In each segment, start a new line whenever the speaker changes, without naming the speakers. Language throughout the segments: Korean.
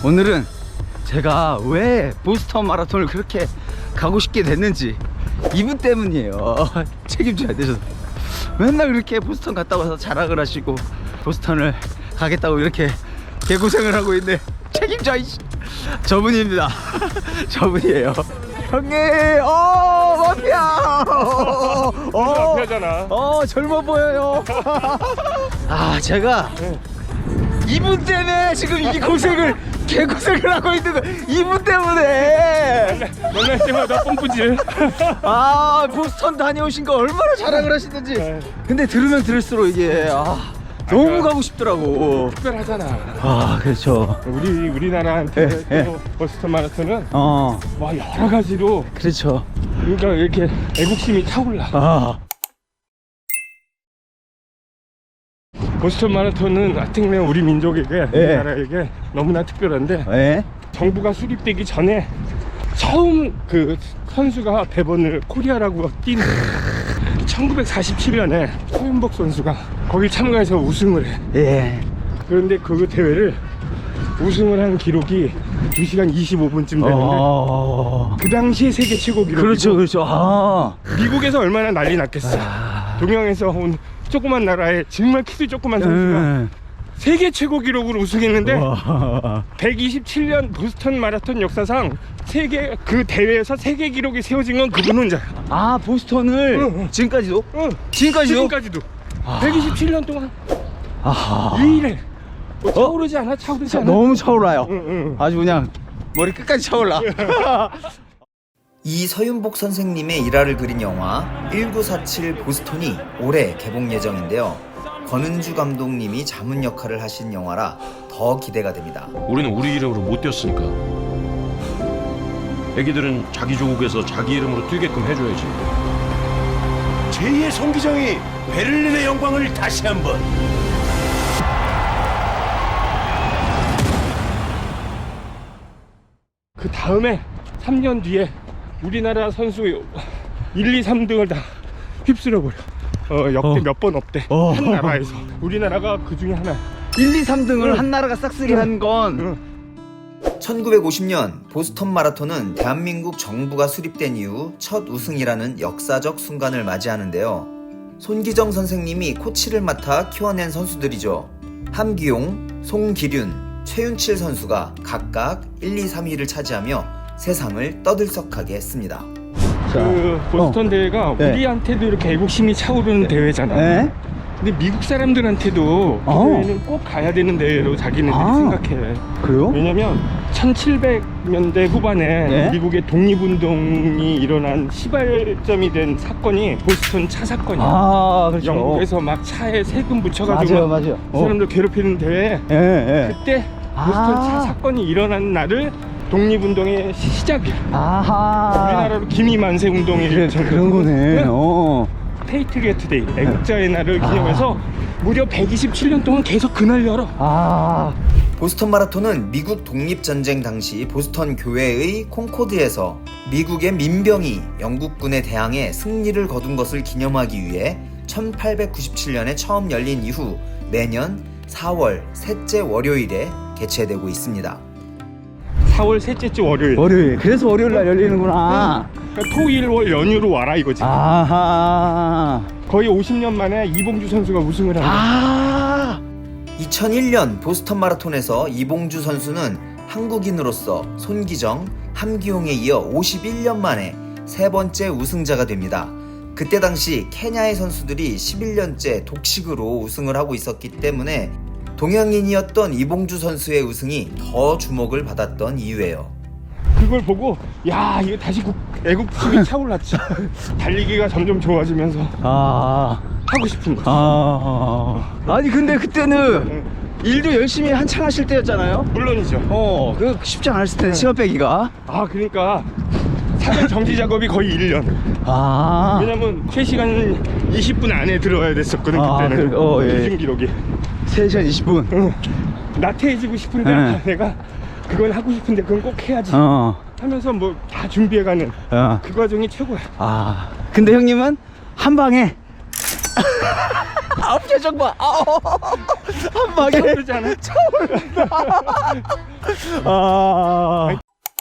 오늘은 제가 왜 보스턴 마라톤을 그렇게 가고 싶게 됐는지 이분 때문이에요. 책임져야 되셔서. 맨날 그렇게 보스턴 갔다 와서 자랑을 하시고 보스턴을 가겠다고 이렇게 개고생을 하고 있는데 책임져 이씨. 저분입니다. 저분이에요. 형님, 마피아.
마피아잖아.
젊어 보여요. 아, 제가 이분 때문에 지금 이 고생을 개고생을 하고 있는 거. 이분 때문에.
만날 때마다 pompu질.
아, 보스턴 다녀오신 거 얼마나 자랑을 하시는지. 근데 들으면 들을수록 이게 너무 가고 싶더라고.
특별하잖아.
아, 그렇죠.
우리나라한테
예,
또 보스턴 마라톤은
와,
여러 가지로
그렇죠.
그러니까 이렇게 애국심이 차올라. 보스턴 마라톤은 하여튼 우리 민족에게, 우리나라에게 너무나 특별한데 정부가 수립되기 전에 처음 그 선수가 배번을 코리아라고 뛴 1947년에 서윤복 선수가 거기 참가해서 우승을 해. 그런데 그 대회를 우승을 한 기록이 2시간 25분쯤 되는데 그 당시에 세계 최고 기록이고.
그렇죠.
미국에서 얼마나 난리 났겠어. 동양에서 온 조그만 나라에 정말 키도 조그만 선수가 세계 최고 기록으로 우승했는데 127년 보스턴 마라톤 역사상 세계 그 대회에서 세계 기록이 세워진 건 그분 혼자야.
보스턴을 지금까지도?
지금까지도 127년 동안 유일해. 차오르지 않아? 차오르지 않아?
너무 차올라요. 아주 그냥 머리 끝까지 차올라.
이서윤복 선생님의 일화를 그린 영화 1947 보스턴이 올해 개봉 예정인데요. 권은주 감독님이 자문 역할을 하신 영화라 더 기대가 됩니다.
우리는 우리 이름으로 못 뛰었으니까 애기들은 자기 조국에서 자기 이름으로 뛰게끔 해줘야지.
제2의 송기정이 베를린의 영광을 다시 한번.
그 다음에 3년 뒤에 우리나라 선수 1, 2, 3등을 다 휩쓸어버려. 역대 몇 번 없대. 한 나라에서. 우리나라가 그 중에 하나.
1, 2, 3등을 한 나라가 싹쓸이 한 건
1950년 보스턴 마라톤은 대한민국 정부가 수립된 이후 첫 우승이라는 역사적 순간을 맞이하는데요. 손기정 선생님이 코치를 맡아 키워낸 선수들이죠. 함기용, 송기륜, 최윤칠 선수가 각각 1, 2, 3위를 차지하며 세상을 떠들썩하게 했습니다.
그 보스턴 대회가 우리한테도 이렇게 애국심이 차오르는 대회잖아. 근데 미국 사람들한테도 그 대회는 꼭 가야 되는 대회로 자기네들이 생각해.
그래요?
왜냐면 1700년대 후반에 미국의 독립운동이 일어난 시발점이 된 사건이 보스턴 차 사건이야.
그렇죠.
영국에서 막 차에 세금 붙여가지고
맞아요.
그 사람들 괴롭히는 대회. 그때 보스턴 차 사건이 일어난 날을 독립운동의 시작이야. 우리나라로 기미만세 운동이
그런 거네.
페이트리어트 데이, 애국자의 날을 기념해서 무려 127년 동안 계속 그날 열어.
보스턴 마라톤은 미국 독립전쟁 당시 보스턴 교회의 콩코드에서 미국의 민병이 영국군에 대항해 승리를 거둔 것을 기념하기 위해 1897년에 처음 열린 이후 매년 4월 셋째 월요일에 개최되고 있습니다.
4월 셋째 주 월요일.
그래서 월요일 날 열리는구나.
그러니까 토일 월 연휴로 와라 이거지. 거의 50년 만에 이봉주 선수가 우승을 한 거야.
2001년 보스턴 마라톤에서 이봉주 선수는 한국인으로서 손기정, 함기용에 이어 51년 만에 세 번째 우승자가 됩니다. 그때 당시 케냐의 선수들이 11년째 독식으로 우승을 하고 있었기 때문에 동양인이었던 이봉주 선수의 우승이 더 주목을 받았던 이유예요.
그걸 보고 야 이거 다시 애국심이 차올랐지. 달리기가 점점 좋아지면서 하고 싶은 거지.
아니 근데 그때는 일도 열심히 한창 하실 때였잖아요.
물론이죠.
그 쉽지 않았을 텐데 시간 빼기가.
그러니까 사전 정지 작업이 거의 1년. 왜냐면 3시간 20분 안에 들어와야 됐었거든 그때는. 기준 기록이
3시간 20분.
나태해지고 싶은데 내가 그건 하고 싶은데 그건 꼭 해야지 하면서 뭐 다 준비해가는 그 과정이 최고야.
근데 형님은 한 방에 표정 봐. 한 방에
그러지 않아?
아.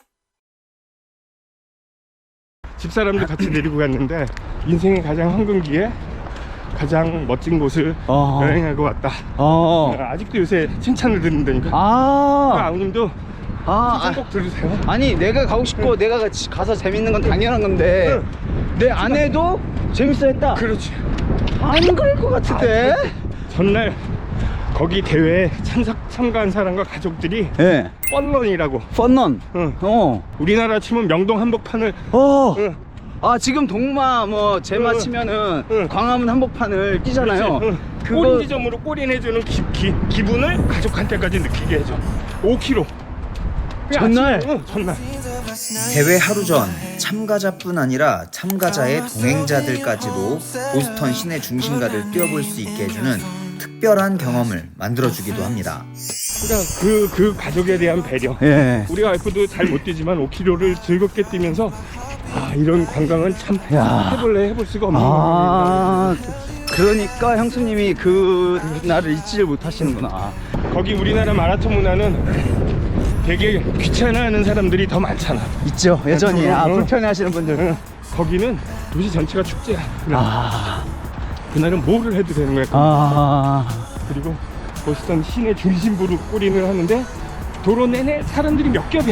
집사람들 같이 데리고 갔는데 인생의 가장 황금기에 가장 멋진 곳을 여행하고 왔다. 아직도 요새 칭찬을 듣는다니까. 아우님도 칭찬 꼭 들으세요.
아니 내가 가고 싶고 내가 가서 재밌는 건 당연한 건데 내 아내도 재밌어 했다.
그렇지.
안 그럴 것 같은데.
전날 거기 대회에 참가한 사람과 가족들이
예.
펀런이라고.
펀런.
응. 우리나라 치면 명동 한복판을 응.
아 지금 동마 뭐 제마 치면은 광화문 한복판을 끼잖아요.
꼬린 지점으로 꼬린해주는 기분을 가족한테까지 느끼게 해줘. 5km.
전날?
전날.
대회 하루 전 참가자뿐 아니라 참가자의 동행자들까지도 보스턴 시내 중심가를 뛰어볼 수 있게 해주는 특별한 경험을 만들어주기도 합니다.
그러니까 그 가족에 대한 배려.
예.
우리 와이프도 잘 못 뛰지만 5km를 즐겁게 뛰면서 이런 관광은 참 해볼 수가 없는 거예요.
그러니까 형수님이 그 날을 잊지를 못하시는구나.
거기 우리나라 마라톤 문화는 되게 귀찮아하는 사람들이 더 많잖아.
있죠 여전히. 불편해하시는 분들.
거기는 도시 전체가 축제야. 그날은 뭐를 해도 되는 거야. 그리고 보스턴 시내 중심부로 꼬린을 하는데 도로 내내 사람들이 몇 겹이야.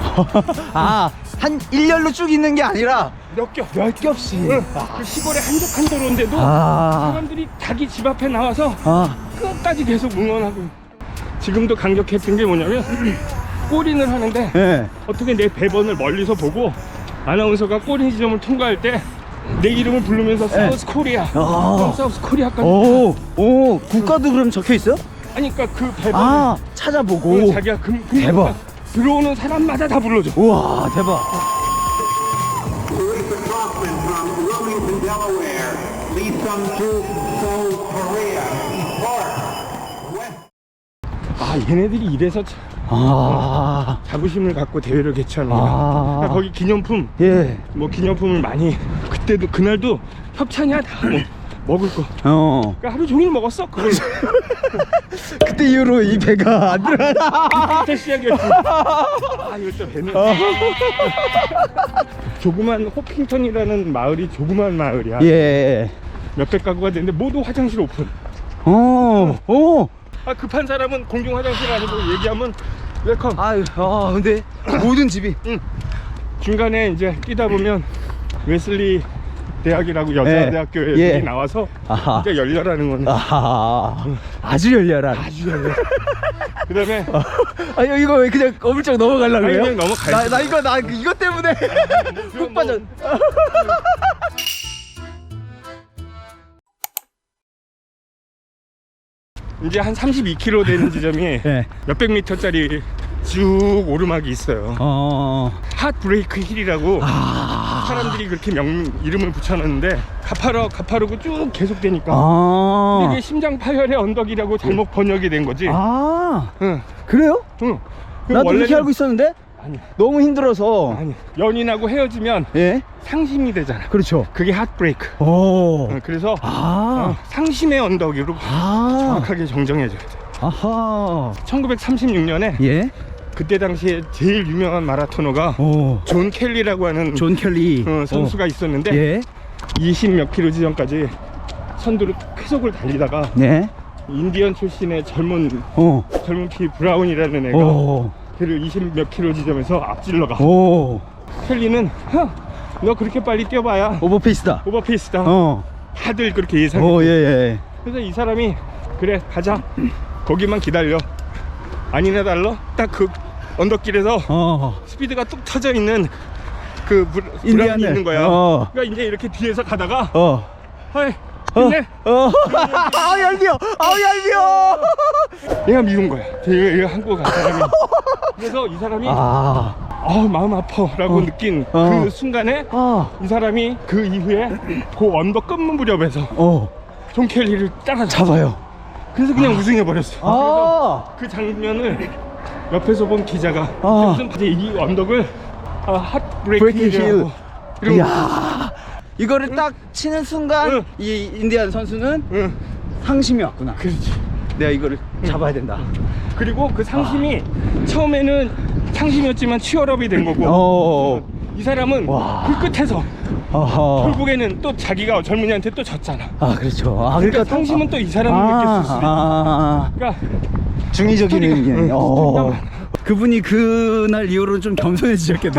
한 일렬로 쭉 있는 게 아니라
몇
겹씩.
그 시골의 한적한 도로인데도 사람들이 자기 집 앞에 나와서 끝까지 계속 응원하고. 지금도 강력했던 게 뭐냐면 꼬린을 하는데 어떻게 내 배번을 멀리서 보고 아나운서가 꼬린 지점을 통과할 때 내 이름을 부르면서 사우스 코리아, 사우스 코리아까지.
오, 국가도 그럼 적혀 있어요?
아니 그러니까 그 배번을
찾아보고.
자기가
대박.
들어오는 사람마다 다 불러줘.
우와 대박.
Teresa Kaufman from Wilmington, Delaware, Lee Sung-soo, Seoul, Korea, East Park, West.
얘네들이 이래서 자부심을 갖고 대회를 개최하는 거야. 그러니까 거기 기념품, 뭐 기념품을 많이. 그때도 그날도 협찬이야 다 먹을 거. 그러니까 하루 종일 먹었어 그걸.
그때 이후로 이 배가 안 들어가.
그때 시작이었지. 이럴 때 배는. 조그만 호핑턴이라는 마을이 조그만 마을이야. 몇백 가구가 되는데 모두 화장실 오픈. 급한 사람은 공중 화장실 아니고 얘기하면 웰컴.
근데 모든 집이.
중간에 이제 뛰다 보면 웨슬리 대학이라고 여자 대학교에 나와서 진짜 열렬하는 거네.
아주 열렬한.
아주 열렬. 그다음에
이거 왜 그냥 어물쩍 넘어가려고 해요?
그냥 넘어가야지.
나 이거 때문에 훅 빠져.
이제 한 32km 되는 지점이 몇백 미터짜리 쭉 오르막이 있어요. 핫브레이크 힐이라고 사람들이 그렇게 이름을 붙여놨는데 가파르고 쭉 계속되니까 이게 심장 파열의 언덕이라고 잘못 번역이 된 거지.
그래요? 나도 그렇게 알고 있었는데.
아니,
너무 힘들어서.
연인하고 헤어지면 상심이 되잖아.
그렇죠.
그게 핫브레이크. 그래서 상심의 언덕으로 정확하게 정정해줘야 돼. 1936년에 그때 당시에 제일 유명한 마라토너가 존 켈리라고 하는 선수가 있었는데 20몇 킬로 지점까지 선두로 계속을 달리다가 인디언 출신의 젊은 피 브라운이라는 애가 걔를 20몇 킬로 지점에서 앞질러가. 켈리는 너 그렇게 빨리 뛰어봐야
오버페이스다.
다들 그렇게 예상해. 그래서 이 사람이 그래 가자, 거기만 기다려, 아니나 달러 딱 그 언덕길에서 스피드가 뚝 터져 있는 그 브라운이 있는 거야. 그러니까 이제 이렇게 뒤에서 가다가 근데
얄미워.
얘가 미운 거야. 얘가 한국 간 사람이. 그래서 이 사람이 마음 아파라고 느낀 그 순간에 이 사람이 그 이후에 그 언덕 끝 무렵에서 존 켈리를 따라잡아요. 그래서 그냥 우승해버렸어. 그래서 그 장면을 옆에서 본 기자가 무슨 이 언덕을 핫브레이크 힐이라고.
이거를 딱 치는 순간 이 인디안 선수는 상심이 왔구나.
그렇지.
내가 이거를 잡아야 된다.
그리고 그 상심이 처음에는 상심이었지만 치열업이 된 거고
어.
이 사람은
와.
불끝에서
어허.
결국에는 또 자기가 젊은이한테 또 졌잖아.
아 그렇죠. 아
그러니까
또-
상심은 또 이 사람을 느꼈을 수도 있고. 그러니까
중의적인
스토리가-
의견.
스토리가 많아.
그분이 그날 이후로는 좀 겸손해지셨겠네.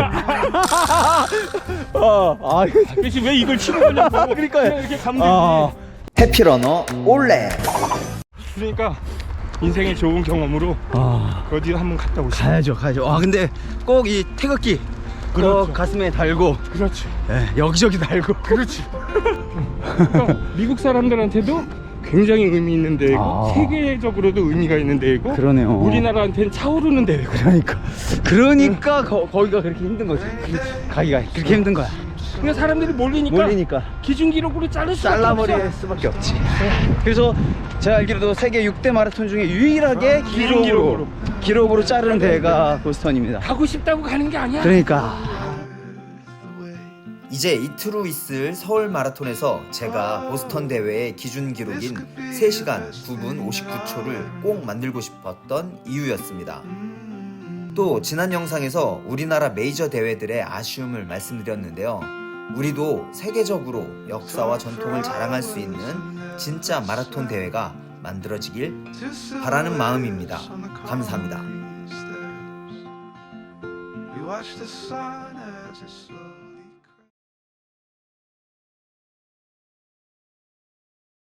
그렇지, 왜 이걸 치는 거냐고.
그러니까요.
그냥 이렇게 가면 되지.
해피러너 올레.
그러니까 인생의 좋은 경험으로 어디 한번 갔다 오시죠.
가야죠. 아 근데 꼭 이 태극기
그렇죠.
꼭 가슴에 달고
그렇지.
여기저기 달고.
그렇지. 그러니까 미국 사람들한테도 굉장히 의미 있는 대회고
아.
세계적으로도 의미가 있는 대회고
그러네요.
우리나라한테는 차오르는 대회고.
그러니까 거기가 그렇게 힘든 거지. 가기가 그렇게 힘든 거야.
그러니까 사람들이 몰리니까 기준 기록으로 자를 수밖에
잘라버릴
없어.
수밖에 없지. 그래서 제가 알기로도 세계 6대 마라톤 중에 유일하게 기록으로 자르는 대회가 보스턴입니다.
가고 싶다고 가는 게 아니야.
그러니까
이제 이틀 후 있을 서울 마라톤에서 제가 보스턴 대회의 기준 기록인 3시간 9분 59초를 꼭 만들고 싶었던 이유였습니다. 또 지난 영상에서 우리나라 메이저 대회들의 아쉬움을 말씀드렸는데요. 우리도 세계적으로 역사와 전통을 자랑할 수 있는 진짜 마라톤 대회가 만들어지길 바라는 마음입니다. 감사합니다.
We watch the sun as it slows